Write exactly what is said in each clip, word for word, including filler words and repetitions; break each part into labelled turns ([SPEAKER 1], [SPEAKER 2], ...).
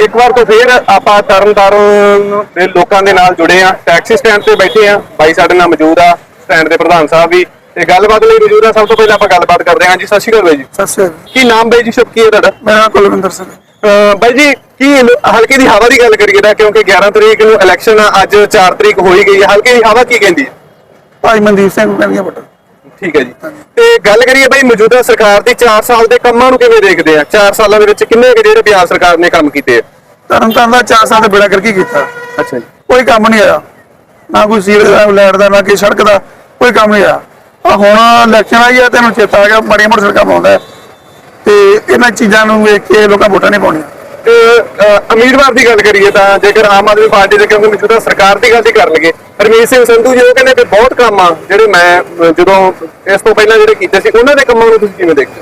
[SPEAKER 1] एक बार तो फिर ਆਪਾਂ ਤਰਨਤਾਰਨ ਦੇ ਲੋਕਾਂ ਦੇ ਨਾਲ ਜੁੜੇ ਆ ਟੈਕਸੀ ਸਟੈਂਡ ਤੇ ਬੈਠੇ ਆ ਬਾਈ ਸਾਡੇ ਨਾਲ ਮੌਜੂਦ ਆ ਸਟੈਂਡ ਦੇ ਪ੍ਰਧਾਨ ਸਾਹਿਬ ਵੀ ਤੇ ਗੱਲਬਾਤ ਲਈ ਮੌਜੂਦ ਆ। ਸਭ ਤੋਂ ਪਹਿਲਾਂ ਆਪਾਂ ਗੱਲਬਾਤ ਕਰਦੇ ਹਾਂ ਜੀ। ਸਤਿ ਸ਼੍ਰੀ ਅਕਾਲ ਬਾਈ ਜੀ।
[SPEAKER 2] ਸਤਿ ਸ਼੍ਰੀ ਅਕਾਲ।
[SPEAKER 1] ਕੀ ਨਾਮ ਬਾਈ ਜੀ ਸ਼ੁਭ ਕੀ ਹੈ ਤੁਹਾਡਾ?
[SPEAKER 2] ਮੇਰਾ ਨਾਮ ਕੁਲਵਿੰਦਰ ਸਿੰਘ।
[SPEAKER 1] ਬਾਈ ਜੀ ਕੀ ਹਲਕੇ ਦੀ ਹਵਾ ਦੀ ਗੱਲ ਕਰੀਏ ਤਾਂ ਕਿਉਂਕਿ ਗਿਆਰਾਂ ਤਰੀਕ ਨੂੰ ਇਲੈਕਸ਼ਨ ਆ, ਅੱਜ ਚਾਰ ਤਰੀਕ ਹੋਈ ਗਈ ਹੈ, ਹਲਕੇ ਦੀ ਹਵਾ ਕੀ ਕਹਿੰਦੀ ਹੈ?
[SPEAKER 2] ਭਾਈ ਮਨਦੀਪ ਸਿੰਘ ਪੈਣੀਆਂ ਬਟਨ।
[SPEAKER 1] ਠੀਕ ਹੈ ਜੀ। ਤੇ ਗੱਲ ਕਰੀਏ ਬਾਈ ਮੌਜੂਦਾ ਸਰਕਾਰ ਦੀ ਚਾਰ ਸਾਲ ਦੇ ਕੰਮਾਂ ਨੂੰ ਕਿਵੇਂ ਦੇਖਦੇ ਆ? ਚਾਰ ਸਾਲਾਂ ਦੇ ਵਿੱਚ ਕਿੰਨੇ ਕੁ ਜਿਹੜੇ ਪੰਜਾਬ ਸਰਕਾਰ ਨੇ ਕੰਮ ਕੀਤੇ ਆ?
[SPEAKER 2] ਤਰਨਤਾਰਨ ਦਾ ਚਾਰ ਸਾਲ ਦਾ ਬੇੜਾ ਕਰਕੇ ਕੀਤਾ।
[SPEAKER 1] ਅੱਛਾ ਜੀ।
[SPEAKER 2] ਕੋਈ ਕੰਮ ਨਹੀਂ ਆਇਆ, ਨਾ ਕੋਈ ਸੀਵਰੇਜ ਦਾ, ਲਾਈਟ ਦਾ, ਨਾ ਕੋਈ ਸੜਕ ਦਾ, ਕੋਈ ਕੰਮ ਨਹੀਂ ਆਇਆ। ਆ ਹੁਣ ਇਲੈਕਸ਼ਨ ਆਈ ਆ, ਤੈਨੂੰ ਚੇਤਾ ਆ ਗਿਆ ਬੜੀਆਂ ਮੋਟਰ ਸੜਕਾਂ ਪਾਉਂਦਾ ਤੇ ਇਹਨਾਂ ਚੀਜ਼ਾਂ ਨੂੰ ਵੇਖ ਕੇ ਲੋਕਾਂ ਵੋਟਾਂ ਨਹੀਂ ਪਾਉਣੀਆਂ।
[SPEAKER 1] ਤੇ ਉਮੀਦਵਾਰ ਦੀ ਗੱਲ ਕਰੀਏ ਤਾਂ ਜੇਕਰ ਆਮ ਆਦਮੀ ਪਾਰਟੀ ਦੇ ਕਿਉਂਕਿ ਮੌਜੂਦਾ ਸਰਕਾਰ ਦੀ ਗੱਲ ਹੀ ਕਰ ਲਈਏ, ਹਰਮੀਤ ਸਿੰਘ ਸੰਧੂ ਜੀ ਉਹ ਕਹਿੰਦੇ ਕਿ ਬਹੁਤ ਕੰਮ ਆ ਜਿਹੜੇ ਮੈਂ ਜਦੋਂ ਇਸ ਤੋਂ ਪਹਿਲਾਂ ਜਿਹੜੇ ਕੀਤੇ ਸੀ ਉਹਨਾਂ ਦੇ ਕੰਮਾਂ ਨੂੰ ਤੁਸੀਂ ਕਿਵੇਂ ਦੇਖਦੇ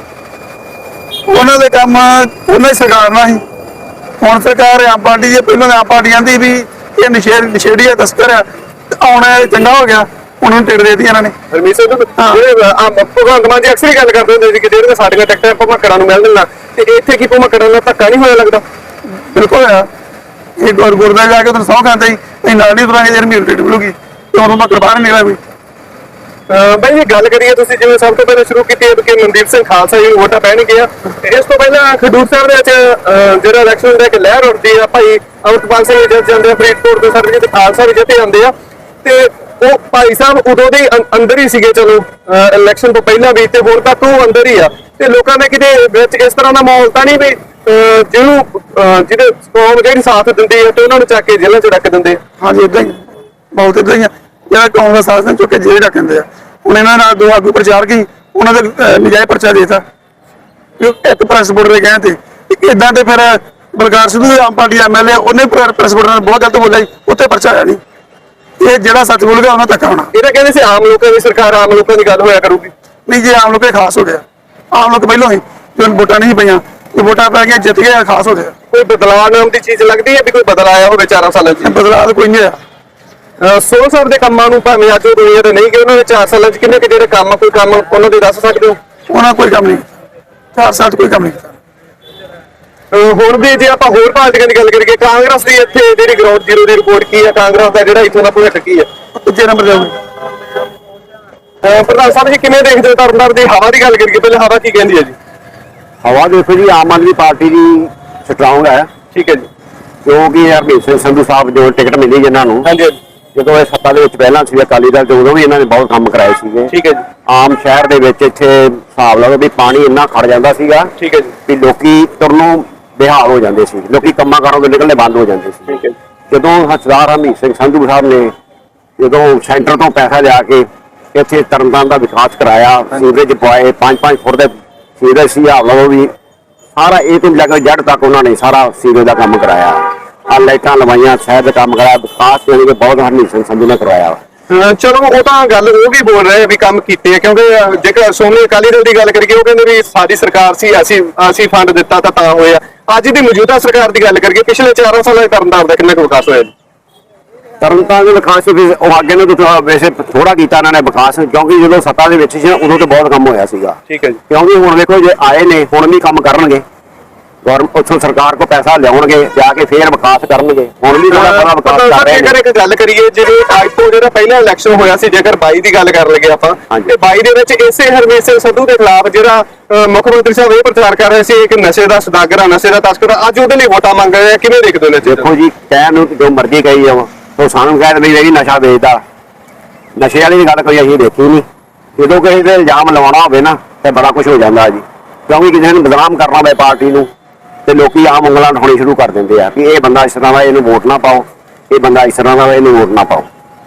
[SPEAKER 1] ਹੋ?
[SPEAKER 2] ਉਹਨਾਂ ਦੇ ਕੰਮ ਉਹਨਾਂ ਦੀ ਸਰਕਾਰ ਨਾਲ ਹੀ। ਹੁਣ ਸਰਕਾਰ ਆਮ ਪਾਰਟੀ ਦੀ, ਪਹਿਲਾਂ ਆਮ ਪਾਰਟੀ ਕਹਿੰਦੀ ਵੀ ਇਹ ਨਸ਼ੇ ਨਸ਼ੇੜੀ ਆ, ਤਸਕਰ ਆ, ਆਉਣਾ ਚੰਗਾ ਹੋ ਗਿਆ, ਉਹਨਾਂ ਨੂੰ ਟਿਕਟ ਦੇ ਦਿੱਤੀ ਇਹਨਾਂ ਨੇ।
[SPEAKER 1] ਹਰਮੀਤ ਸਿੰਘ ਜਿਹੜੇ ਆਮ ਭਗਵੰਤ ਮਾਨ ਜੀ ਅਕਸਰ ਹੀ ਗੱਲ ਕਰਦੇ ਹੁੰਦੇ ਸੀ ਕਿ ਜਿਹੜੀਆਂ ਸਾਡੀਆਂ ਟਿਕਟਾਂ ਭਮਕੜਾਂ ਨੂੰ ਮਿਲ ਦੇਣਾ, ਤੇ ਇੱਥੇ ਕੀ ਭਮਕੜਾਂ ਨਾਲ ਧੱਕਾ ਨਹੀਂ ਹੋਇਆ ਲੱਗਦਾ?
[SPEAKER 2] ਬਿਲਕੁਲ ਆ। ਇਹ ਗੁਰ ਗੁਰਦਾ ਜਾ ਕੇ ਤੁਹਾਨੂੰ ਸਹੁੰ ਖਾਂਦਾ ਹੀ ਅਸੀਂ ਨਾਲ ਨਹੀਂ ਤੁਰਾਂਗੇ, ਜਿਹੜੀ ਮੇਰੀ ਟਿਕਟ ਮਿਲੂਗੀ ਤੇ ਉਹਨੂੰ ਮੈਂ ਬਾਹਰ ਨਿਕਲਿਆ ਵੀ।
[SPEAKER 1] ਬਾਈ ਜੀ ਗੱਲ ਕਰੀਏ ਤੁਸੀਂ ਜਿਵੇਂ ਸਭ ਤੋਂ ਪਹਿਲਾਂ ਸ਼ੁਰੂ ਕੀਤੀ ਹੈ ਕਿ ਮਨਦੀਪ ਸਿੰਘ ਖਾਲਸਾ ਜੀ ਵੋਟਾਂ ਪੈਣਗੇ ਆ, ਇਸ ਤੋਂ ਪਹਿਲਾਂ ਖਡੂਰ ਸਾਹਿਬ ਦੇ ਵਿੱਚ ਜਿਹੜਾ ਇਲੈਕਸ਼ਨ ਦਾ ਇੱਕ ਲਹਿਰ ਉੱਠਦੀ ਆ, ਭਾਈ ਅਮਰਪਾਲ ਸਿੰਘ ਜਿੱਤ ਜਾਂਦੇ ਆ, ਫਰੀਦਕੋਟ ਦੇ ਸਰਬਜੀਤ ਖਾਲਸਾ ਵੀ ਜਿੱਤੇ ਜਾਂਦੇ ਆ, ਤੇ ਉਹ ਭਾਈ ਸਾਹਿਬ ਉਦੋਂ ਦੇ ਅੰਦਰ ਹੀ ਸੀਗੇ ਚਲੋ ਇਲੈਕਸ਼ਨ ਤੋਂ ਪਹਿਲਾਂ ਵੀ, ਤੇ ਹੁਣ ਤੱਕ ਉਹ ਅੰਦਰ ਹੀ ਆ, ਤੇ ਲੋਕਾਂ ਨੇ ਕਿਤੇ ਵਿੱਚ ਇਸ ਤਰ੍ਹਾਂ ਦਾ ਮਾਹੌਲ ਤਾਂ ਨਹੀਂ ਵੀ ਜਿਹਨੂੰ ਜਿਹਦੇ ਕੌਮ ਜਿਹੜੀ ਸਾਥ ਦਿੰਦੀ ਹੈ ਤੇ ਉਹਨਾਂ ਨੂੰ ਚੱਕ ਕੇ ਜੇਲ੍ਹਾਂ 'ਚ ਰੱਖ ਦਿੰਦੇ ਆ?
[SPEAKER 2] ਹਾਂਜੀ ਏਦਾਂ ਹੀ ਬਹੁਤ ਏਦਾਂ ਹੀ ਆ। ਜਿਹੜਾ ਕੌਮ ਦਾ ਸਾਥ ਚੁੱਕ ਕੇ ਜੇਲ੍ਹ ਰੱਖ ਦਿੰਦੇ ਆ। ਹੁਣ ਇਹਨਾਂ ਨਾਲ ਦੋ ਆਗੂ ਪ੍ਰਚਾਰ ਕੀ ਉਹਨਾਂ ਦੇ ਨਜਾਇਜ਼ ਪਰਚਾ ਦੇਤਾ ਇੱਕ ਪ੍ਰੈਸ ਬੋਰਡ ਦੇ ਕਹਿਣ ਤੇ। ਏਦਾਂ ਤੇ ਫਿਰ Balkar Sidhu Aam party M L A ਉਹਨੇ ਪ੍ਰੈਸ ਬੋਰਡ ਨਾਲ ਬਹੁਤ ਗਲਤ ਬੋਲਿਆ, ਉੱਥੇ ਪਰਚਾ ਆਇਆ ਨਹੀਂ। ਇਹ ਜਿਹੜਾ ਸੱਚ ਬੋਲ ਗਿਆ ਉਹਨਾਂ ਧੱਕਾ ਹੋਣਾ।
[SPEAKER 1] ਇਹਦਾ ਕਹਿੰਦੇ ਸੀ ਆਮ ਲੋਕਾਂ ਦੀ ਸਰਕਾਰ, ਆਮ ਲੋਕਾਂ ਦੀ ਗੱਲ ਹੋਇਆ ਕਰੂਗੀ।
[SPEAKER 2] ਨਹੀਂ, ਜੇ ਆਮ ਲੋਕ ਖਾਸ ਹੋ ਗਿਆ, ਆਮ ਲੋਕ ਪਹਿਲਾਂ ਹੀ ਜਦੋਂ ਵੋਟਾਂ ਨਹੀਂ ਪਈਆਂ, ਇਹ ਵੋਟਾਂ ਪੈ ਗਈਆਂ ਜਿੱਤ ਗਏ, ਖਾਸ ਹੋ ਗਿਆ।
[SPEAKER 1] ਕੋਈ ਬਦਲਾਅ ਨਾਮ ਦੀ ਚੀਜ਼ ਲੱਗਦੀ ਹੈ ਵੀ ਕੋਈ ਬਦਲਾਅ ਆਇਆ ਹੋਵੇ ਚਾਰਾਂ ਸਾਲਾਂ 'ਚ?
[SPEAKER 2] ਬਦਲਾਅ ਤਾਂ ਕੋਈ ਨਹੀਂ ਆਇਆ।
[SPEAKER 1] ਸੋਲ ਸਾਹਿਬ ਦੇ ਕੰਮਾਂ ਨੂੰ ਭਾਵੇਂ ਅੱਜ ਉਹ ਦੁਨੀਆ ਤੇ ਨਹੀਂ ਕਿ ਉਹਨਾਂ ਨੇ ਚਾਰ ਸਾਲਾਂ 'ਚ ਕਿੰਨੇ ਕਿ ਜਿਹੜੇ ਕੰਮ ਕੋਈ ਕੰਮ ਉਹਨਾਂ ਦੇ ਦੱਸ ਸਕਦੇ ਹੋ?
[SPEAKER 2] ਉਹਨਾਂ ਕੋਈ ਕੰਮ ਨਹੀਂ ਕੀਤਾ, ਚਾਰ ਸਾਲ 'ਚ ਕੋਈ ਕੰਮ ਨਹੀਂ ਕੀਤਾ।
[SPEAKER 1] ਹੁਣ ਵੀ ਜੇ ਆਪਾਂ ਹੋਰ ਪਾਰਟੀਆਂ ਦੀ ਗੱਲ ਕਰੀਏ, ਕਾਂਗਰਸ ਦੀ ਇੱਥੇ ਜਿਹੜੀ ਗਰਾਊਂਡ ਜ਼ੀਰੋ ਦੀ ਰਿਪੋਰਟ ਕੀ ਹੈ? ਕਾਂਗਰਸ ਦਾ ਜਿਹੜਾ ਇੱਥੋਂ ਦਾ ਭਵਿੱਖ ਕੀ ਹੈ?
[SPEAKER 2] ਤੀਜੇ ਨੰਬਰ ਜਾਊਗੀ।
[SPEAKER 1] ਪ੍ਰਧਾਨ ਸਾਹਿਬ ਜੀ ਕਿਵੇਂ ਦੇਖਦੇ ਹੋ ਤਰਨਤਾਰਨ ਦੀ ਹਵਾ ਦੀ ਗੱਲ ਕਰੀਏ, ਪਹਿਲਾਂ ਹਵਾ ਕੀ ਕਹਿੰਦੀ ਹੈ ਜੀ?
[SPEAKER 3] ਹਵਾ ਦੇਖੋ ਜੀ, ਆਮ ਆਦਮੀ ਪਾਰਟੀ ਦੀ ਸਟਰੋਂਗ ਹੈ।
[SPEAKER 1] ਠੀਕ ਹੈ ਜੀ।
[SPEAKER 3] ਕਿਉਂਕਿ ਹਰਮੀਤ ਸਿੰਘ ਸੰਧੂ ਸਾਹਿਬ ਜੋ ਟਿਕਟ ਮਿਲੀ ਜਿਨ੍ਹਾਂ ਨੂੰ,
[SPEAKER 1] ਹਾਂਜੀ
[SPEAKER 3] ਜਦੋਂ ਇਹ ਸੱਤਾ ਦੇ ਵਿੱਚ ਪਹਿਲਾਂ ਸੀ ਅਕਾਲੀ ਦਲ, ਉਦੋਂ ਵੀ ਇਹਨਾਂ ਨੇ ਬਹੁਤ ਕੰਮ ਕਰਾਏ ਸੀਗੇ।
[SPEAKER 1] ਠੀਕ ਹੈ ਜੀ।
[SPEAKER 3] ਆਮ ਸ਼ਹਿਰ ਦੇ ਵਿੱਚ ਇੱਥੇ ਹਿਸਾਬ ਲਾ ਲਓ ਵੀ ਪਾਣੀ ਇੰਨਾ ਖੜ ਜਾਂਦਾ ਸੀਗਾ।
[SPEAKER 1] ਠੀਕ ਹੈ ਜੀ।
[SPEAKER 3] ਵੀ ਲੋਕੀ ਤੁਰਨੋਂ ਬੇਹਾਲ ਹੋ ਜਾਂਦੇ ਸੀ, ਲੋਕੀ ਕੰਮਾਂ ਕਾਰਾਂ ਤੋਂ ਨਿਕਲਣੇ ਬੰਦ ਹੋ ਜਾਂਦੇ ਸੀ।
[SPEAKER 1] ਠੀਕ ਹੈ।
[SPEAKER 3] ਜਦੋਂ ਸਰਦਾਰ ਹਰਮੀਤ ਸਿੰਘ ਸੰਧੂ ਸਾਹਿਬ ਨੇ ਜਦੋਂ ਸੈਂਟਰ ਤੋਂ ਪੈਸਾ ਲਿਆ ਕੇ ਇੱਥੇ ਤਰਨਤਾਰਨ ਦਾ ਵਿਕਾਸ ਕਰਾਇਆ, ਸੀਵਰੇਜ ਪਵਾਏ, ਪੰਜ ਪੰਜ ਫੁੱਟ ਦੇ ਸੀਵਰੇਜ ਸੀ, ਹਿਸਾਬ ਲਾ ਲਓ ਵੀ ਸਾਰਾ ਇਹ ਤੋਂ ਲੈ ਕੇ ਜੜ ਤੱਕ ਉਹਨਾਂ ਨੇ ਸਾਰਾ ਸੀਵਰੇਜ ਦਾ ਕੰਮ ਕਰਾਇਆ, ਆ ਲਾਈਟਾਂ ਲਵਾਈਆਂ, ਸ਼ਹਿਰ ਦਾ ਕੰਮ ਕਰਾਇਆ, ਵਿਕਾਸ ਜਾਣੀ ਕਿ ਬਹੁਤ ਹਰਮੀਤ ਸਿੰਘ ਸੰਧੂ ਨੇ ਕਰਵਾਇਆ।
[SPEAKER 1] ਚਲੋ ਉਹ ਤਾਂ ਗੱਲ ਉਹ ਵੀ ਬੋਲ ਰਹੇ ਵੀ ਕੰਮ ਕੀਤੇ ਆ, ਕਿਉਂਕਿ ਜੇਕਰ ਸ਼੍ਰੋਮਣੀ ਅਕਾਲੀ ਦਲ ਦੀ ਗੱਲ ਕਰੀਏ ਉਹ ਕਹਿੰਦੇ ਵੀ ਸਾਡੀ ਸਰਕਾਰ ਸੀ, ਅਸੀਂ ਅਸੀਂ ਫੰਡ ਦਿੱਤਾ ਤਾਂ ਤਾਂ ਹੋਇਆ। ਅੱਜ ਦੀ ਮੌਜੂਦਾ ਸਰਕਾਰ ਦੀ ਗੱਲ ਕਰੀਏ, ਪਿਛਲੇ ਚਾਰਾਂ ਸਾਲਾਂ 'ਚ ਤਰਨਤਾਰਨ ਦਾ ਕਿੰਨਾ ਕੁ ਵਿਕਾਸ ਹੋਇਆ ਜੀ?
[SPEAKER 3] ਤਰਨਤਾਰਨ ਦੇ ਵਿਕਾਸ ਉਹ ਅੱਗੇ ਨੇ ਤਾਂ ਵੈਸੇ ਥੋੜਾ ਕੀਤਾ ਇਹਨਾਂ ਨੇ ਵਿਕਾਸ, ਕਿਉਂਕਿ ਜਦੋਂ ਸੱਤਾ ਦੇ ਵਿੱਚ ਸੀ ਉਦੋਂ ਤਾਂ ਬਹੁਤ ਕੰਮ ਹੋਇਆ ਸੀਗਾ।
[SPEAKER 1] ਠੀਕ ਹੈ ਜੀ।
[SPEAKER 3] ਕਿਉਂਕਿ ਹੁਣ ਦੇਖੋ ਜੇ ਆਏ ਨੇ ਹੁਣ ਵੀ ਕੰਮ ਕਰਨਗੇ, ਗੌਰਮੈਂਟ ਉੱਥੋਂ ਸਰਕਾਰ ਕੋ ਪੈਸਾ ਲਿਆਉਣਗੇ, ਜਾ ਕੇ ਫੇਰ ਵਿਕਾਸ ਕਰਨਗੇ। ਹੁਣ ਵੀ ਥੋੜਾ ਬੜਾ ਵਿਕਾਸ ਕਰ ਰਹੇ ਨੇ।
[SPEAKER 1] ਜੇਕਰ ਇੱਕ ਗੱਲ ਕਰੀਏ ਜਿਹੜੇ ਅੱਜ ਤੋਂ ਜਿਹੜਾ ਪਹਿਲਾ ਇਲੈਕਸ਼ਨ ਹੋਇਆ ਸੀ, ਜੇਕਰ ਬਾਈ ਦੀ ਗੱਲ ਕਰ ਲਈਏ ਆਪਾਂ, ਤੇ ਬਾਈ ਦੇ ਵਿੱਚ ਇਸੇ ਹਰਮੀਤ ਸਿੰਘ ਸੰਧੂ ਦੇ ਖਿਲਾਫ ਜਿਹੜਾ ਮੁੱਖ ਮੰਤਰੀ ਸਾਹਿਬ ਇਹ ਪ੍ਰਚਾਰ ਕਰ ਰਹੇ ਸੀ ਕਿ ਨਸ਼ੇ ਦਾ ਸਦਾਗਰ ਆ, ਨਸ਼ੇ ਦਾ ਤਸਕਰ, ਅੱਜ ਉਹਦੇ ਲਈ ਵੋਟਾਂ ਮੰਗ ਰਹੇ ਆ, ਕਿਵੇਂ ਦੇਖਦੇ ਹੋ?
[SPEAKER 3] ਦੇਖੋ ਜੀ, ਕਹਿਣ ਨੂੰ ਜੋ ਮਰਜ਼ੀ ਕਹੀ ਜਾਓ, ਉਹ ਸਾਨੂੰ ਕਹਿ ਦਿੰਦੇ ਜਿਹੜੀ ਨਸ਼ਾ ਵੇਚਦਾ, ਨਸ਼ੇ ਵਾਲੀ ਦੀ ਗੱਲ ਕੋਈ ਅਸੀਂ ਦੇਖੀ ਨਹੀਂ। ਜਦੋਂ ਕਿਸੇ ਤੇ ਇਲਜ਼ਾਮ ਲਵਾਉਣਾ ਹੋਵੇ ਨਾ ਤੇ ਬੜਾ ਕੁਝ ਹੋ ਜਾਂਦਾ ਜੀ, ਕਿਉਂਕਿ ਕਿਸੇ ਨੂੰ ਬਦਨਾਮ ਕਰਨਾ ਹੋਵੇ ਪਾਰਟੀ ਨੂੰ ਤੇ ਲੋਕੀ ਆਮ ਉਂਗਲਾਂ ਉਠਾਉਣੀ ਸ਼ੁਰੂ ਕਰ ਦਿੰਦੇ ਆ ਕਿ ਇਹ ਬੰਦਾ ਇਸ ਤਰ੍ਹਾਂ ਦਾ, ਇਹਨੂੰ ਵੋਟ ਨਾ ਪਾਓ, ਇਹ ਬੰਦਾ ਇਸ ਤਰ੍ਹਾਂ ਦਾ, ਇਹਨੂੰ ਵੋਟ ਨਾ ਪਾਓ।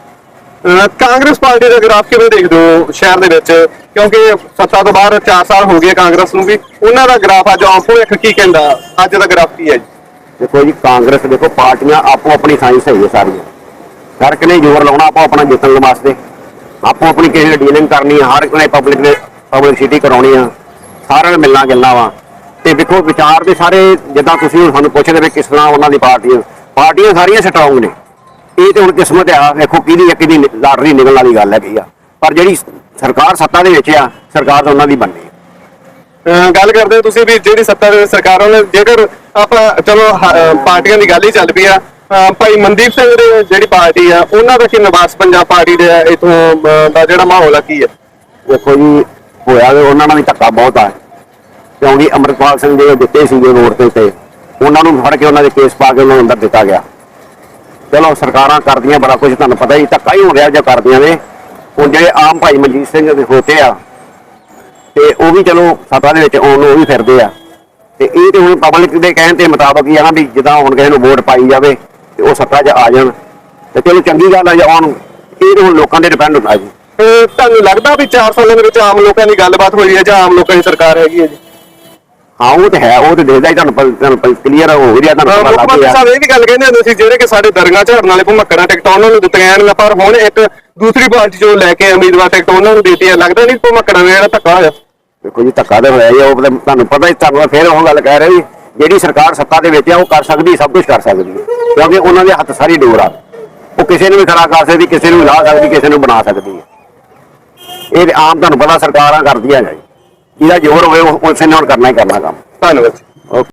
[SPEAKER 1] ਕਾਂਗਰਸ ਪਾਰਟੀ ਦਾ ਗ੍ਰਾਫ ਕਿਵੇਂ ਦੇਖਦੇ ਹੋ ਸ਼ਹਿਰ ਦੇ ਵਿੱਚ? ਕਿਉਂਕਿ ਸੱਤਾ ਤੋਂ ਬਾਅਦ ਚਾਰ ਸਾਲ ਹੋ ਗਏ ਕਾਂਗਰਸ ਨੂੰ ਵੀ, ਉਹਨਾਂ ਦਾ ਗ੍ਰਾਫ ਅੱਜ ਆਮ ਭਵਿੱਖ ਕੀ ਕਹਿੰਦਾ? ਅੱਜ ਦਾ ਗ੍ਰਾਫ ਕੀ ਹੈ ਜੀ?
[SPEAKER 3] ਦੇਖੋ ਜੀ, ਕਾਂਗਰਸ ਦੇਖੋ ਪਾਰਟੀਆਂ ਆਪੋ ਆਪਣੀ ਸਾਇੰਸ ਸਹੀ ਹੈ ਸਾਰੀਆਂ, ਹਰ ਇੱਕ ਨੇ ਜ਼ੋਰ ਲਾਉਣਾ ਆਪੋ ਆਪਣਾ ਜਿੱਤਣ ਵਾਸਤੇ, ਆਪੋ ਆਪਣੀ ਕਿਸੇ ਨੇ ਡੀਲਿੰਗ ਕਰਨੀ ਹੈ, ਹਰ ਇੱਕ ਨੇ ਪਬਲਿਕ ਨੇ ਪਬਲਿਸਿਟੀ ਕਰਾਉਣੀ ਆ, ਸਾਰਿਆਂ ਨੇ ਮਿਲਣਾ ਗਿਲਣਾ ਵਾ। ਤੇ ਦੇਖੋ ਵਿਚਾਰ ਦੇ ਸਾਰੇ ਜਿੱਦਾਂ ਤੁਸੀਂ ਹੁਣ ਸਾਨੂੰ ਪੁੱਛਦੇ ਵੀ ਕਿਸ ਤਰ੍ਹਾਂ ਉਹਨਾਂ ਦੀ ਪਾਰਟੀਆਂ ਪਾਰਟੀਆਂ ਸਾਰੀਆਂ ਸਟਰੋਂਗ ਨੇ। ਇਹ ਤੇ ਹੁਣ ਕਿਸਮਤ ਆ, ਵੇਖੋ ਕਿਹਦੀ ਇੱਕ ਦੀ ਲਾਟਰੀ ਨਿਕਲਣ ਵਾਲੀ ਗੱਲ ਹੈਗੀ ਆ, ਪਰ ਜਿਹੜੀ ਸਰਕਾਰ ਸੱਤਾ ਦੇ ਵਿੱਚ ਆ, ਸਰਕਾਰ ਤਾਂ ਉਹਨਾਂ ਦੀ ਬਣਨੀ।
[SPEAKER 1] ਅਹ ਗੱਲ ਕਰਦੇ ਹੋ ਤੁਸੀਂ ਵੀ ਜਿਹੜੀ ਸੱਤਾ ਦੇ ਵਿੱਚ ਸਰਕਾਰ ਉਹਨੇ ਜੇਕਰ ਆਪਾਂ ਚਲੋ ਹ- ਅਹ ਪਾਰਟੀਆਂ ਦੀ ਗੱਲ ਹੀ ਚੱਲ ਪਈ ਆ ਅਹ ਭਾਈ ਮਨਦੀਪ ਸਿੰਘ ਦੇ ਜਿਹੜੀ ਪਾਰਟੀ ਆ ਉਹਨਾਂ ਦਾ ਕੀ ਨਿਵਾਸ ਪੰਜਾਬ ਪਾਰਟੀ ਦੇ ਇਥੋਂ ਦਾ ਜਿਹੜਾ ਮਾਹੌਲ ਆ ਕੀ ਹੈ?
[SPEAKER 3] ਦੇਖੋ ਜੀ ਹੋਇਆ ਵੀ ਉਹਨਾਂ ਨਾਲ ਵੀ ਧੱਕਾ ਬਹੁਤ ਆ ਕਿਉਂਕਿ ਅੰਮ੍ਰਿਤਪਾਲ ਸਿੰਘ ਜਿਹੜੇ ਦਿੱਤੇ ਸੀਗੇ ਰੋਡ ਤੇ ਉੱਤੇ ਉਹਨਾਂ ਨੂੰ ਫੜ ਕੇ ਉਹਨਾਂ ਦੇ ਕੇਸ ਪਾ ਕੇ ਉਹਨਾਂ ਨੂੰ ਅੰਦਰ ਦਿੱਤਾ ਗਿਆ। ਚਲੋ ਸਰਕਾਰਾਂ ਕਰਦੀਆਂ ਬੜਾ ਕੁਝ, ਤੁਹਾਨੂੰ ਪਤਾ ਹੀ ਧੱਕਾ ਹੀ ਹੋ ਰਿਹਾ ਜੇ ਕਰਦੀਆਂ ਨੇ। ਹੁਣ ਜਿਹੜੇ ਆਮ ਭਾਈ ਮਨਜੀਤ ਸਿੰਘ ਦੇ ਹੋਤੇ ਆ ਤੇ ਉਹ ਵੀ ਚਲੋ ਸੱਤਾ ਦੇ ਵਿੱਚ ਆਉਣ ਨੂੰ ਉਹ ਵੀ ਫਿਰਦੇ ਆ ਤੇ ਇਹ ਤੇ ਹੁਣ ਪਬਲਿਕ ਦੇ ਕਹਿਣ ਦੇ ਮੁਤਾਬਕ ਹੀ ਆ ਨਾ ਵੀ ਜਿੱਦਾਂ ਹੁਣ ਕਿਸੇ ਨੂੰ ਵੋਟ ਪਾਈ ਜਾਵੇ ਤੇ ਉਹ ਸੱਤਾ 'ਚ ਆ ਜਾਣ ਤੇ ਚਲੋ ਚੰਗੀ ਗੱਲ ਆ ਜੇ ਆਉਣ। ਇਹ ਤੇ ਹੁਣ ਲੋਕਾਂ ਦੇ ਡਿਪੈਂਡ ਹੁੰਦਾ ਜੀ।
[SPEAKER 1] ਤੇ ਤੁਹਾਨੂੰ ਲੱਗਦਾ ਵੀ ਚਾਰ ਸਾਲਾਂ ਦੇ ਵਿੱਚ ਆਮ ਲੋਕਾਂ ਦੀ ਗੱਲਬਾਤ ਹੋਈ ਹੈ ਜਾਂ ਆਮ ਲੋਕਾਂ ਦੀ ਸਰਕਾਰ ਹੈਗੀ ਹੈ ਜੀ?
[SPEAKER 3] ਹਾਂ ਉਹ ਤੇ ਹੈ, ਉਹ ਤੇ ਦੇਖਦਾ ਹੀ ਤੁਹਾਨੂੰ ਪ- ਤੁਹਾਨੂੰ ਕਲੀਅਰ ਹੋ ਰਿਹਾ, ਤੁਹਾਨੂੰ
[SPEAKER 1] ਮੁੱਖ
[SPEAKER 3] ਪਤਾ ਲੱਗ
[SPEAKER 1] ਮੰਤਰੀ
[SPEAKER 3] ਗਿਆ।
[SPEAKER 1] ਸਾਹਿਬ ਇਹ ਵੀ ਗੱਲ ਕਹਿੰਦੇ ਹੁੰਦੇ ਸੀ ਜਿਹੜੇ ਕਿ ਸਾਡੇ ਦਰਗਾਹ ਝਾੜਨ ਵਾਲੇ ਭੁਮੱਕੜਾਂ ਟਿਕਟਾਂ ਉਹਨਾਂ ਨੂੰ ਦਿੱਤੀਆਂ ਜਾਣਗੀਆਂ, ਪਰ ਹੁਣ ਇੱਕ ਦੂਸਰੀ ਪਾਰਟੀ ਜੋ ਲੈ ਕੇ ਉਮੀਦਵਾਰ ਟਿਕਟ ਉਹਨਾਂ ਨੂੰ ਦਿੱਤੀ ਹੈ। ਲੱਗਦਾ ਨਹੀਂ ਭੁਮੱਕੜਾਂ ਨੇ ਜਿਹੜਾ ਧੱਕਾ ਹੋਇਆ?
[SPEAKER 3] ਦੇਖੋ ਜੀ ਧੱਕਾ ਤਾਂ ਹੋਇਆ ਹੀ ਆ, ਉਹ ਤਾਂ ਤੁਹਾਨੂੰ ਪਤਾ ਹੀ, ਤੁਹਾਨੂੰ ਫਿਰ ਉਹ ਗੱਲ ਕਹਿ ਰਿਹਾ ਵੀ ਜਿਹੜੀ ਸਰਕਾਰ ਸੱਤਾ ਦੇ ਵਿੱਚ ਆ ਉਹ ਕਰ ਸਕਦੀ, ਸਭ ਕੁਝ ਕਰ ਸਕਦੀ ਹੈ ਕਿਉਂਕਿ ਉਹਨਾਂ ਦੇ ਹੱਥ ਸਾਰੀ ਡੋਰ ਆ। ਉਹ ਕਿਸੇ ਨੂੰ ਵੀ ਖੜਾ ਕਰ ਸਕਦੀ, ਕਿਸੇ ਨੂੰ ਵੀ ਲਾ ਸਕਦੀ, ਕਿਸੇ ਨੂੰ ਬਣਾ ਸਕਦੀ ਹੈ। ਇਹ ਤੇ ਆਮ ਤੁਹਾਨੂੰ ਪਤਾ ਸਰਕਾਰਾਂ ਕਰਦੀਆਂ ਨੇ, ਜਿਹਦਾ ਜ਼ੋਰ ਹੋਵੇ ਉਹ ਉਸੇ ਨਾਲ ਕਰਨਾ ਹੀ ਕਰਨਾ ਕੰਮ।
[SPEAKER 1] ਧੰਨਵਾਦ ਜੀ।
[SPEAKER 3] ਓਕੇ।